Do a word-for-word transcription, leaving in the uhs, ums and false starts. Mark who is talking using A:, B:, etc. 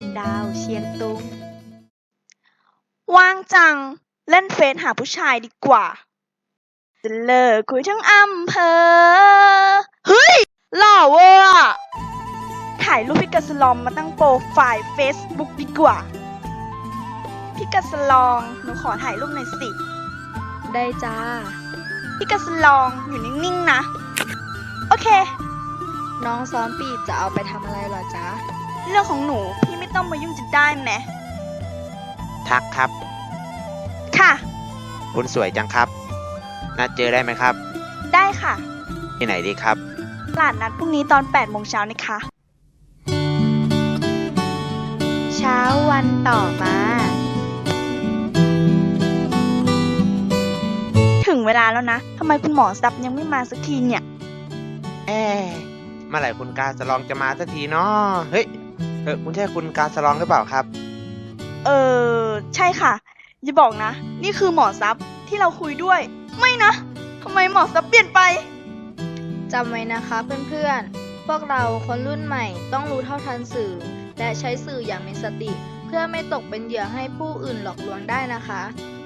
A: ดาวเชียงตุงว่างจังเล่นเฟซหาผู้ชายดีกว่าจะเลิกคุยทั้งอำเภอเฮ้ยหล่อเวอร์อะถ่ายรูปพี่กัสลอมมาตั้งโปรไฟล์เฟซบุ๊กดีกว่าพี่กัสลองหนูขอถ่ายรูปหน่อยสิ
B: ได้จ้า
A: พี่กัสลองอยู่นิ่งๆนะโอเค
B: น้องซ้อมปีบจะเอาไปทำอะไรเหรอจ๊ะ
A: เรื่องของหนูพี่ไม่ต้องมายุ่งจะได้ไหม
C: ทักครับ
A: ค่ะ
C: คุณสวยจังครับนัดเจอได้ไหมครับ
A: ได้ค่ะ
C: ที่ไหนดีครับ
A: ตลาดนัดพรุ่งนี้ตอนแปดโมงเช้านะคะ
B: เช้าวันต่อมา
A: ถึงเวลาแล้วนะทำไมคุณหมอซับยังไม่มาสักทีเนี่ย
C: เอ๊ะเมื่อไหร่คุณกาสลองจะมาสักทีเนาะเฮ้ยเออคุณใช่คุณกาสลองหรือเปล่าครับ
A: เออใช่ค่ะอย่าบอกนะนี่คือหมอซับที่เราคุยด้วยไม่นะทำไมหมอซับเปลี่ยนไป
B: จำไว้นะคะเพื่อนๆพวกเราคนรุ่นใหม่ต้องรู้เท่าทันสื่อและใช้สื่ออย่างมีสติเพื่อไม่ตกเป็นเหยื่อให้ผู้อื่นหลอกลวงได้นะคะ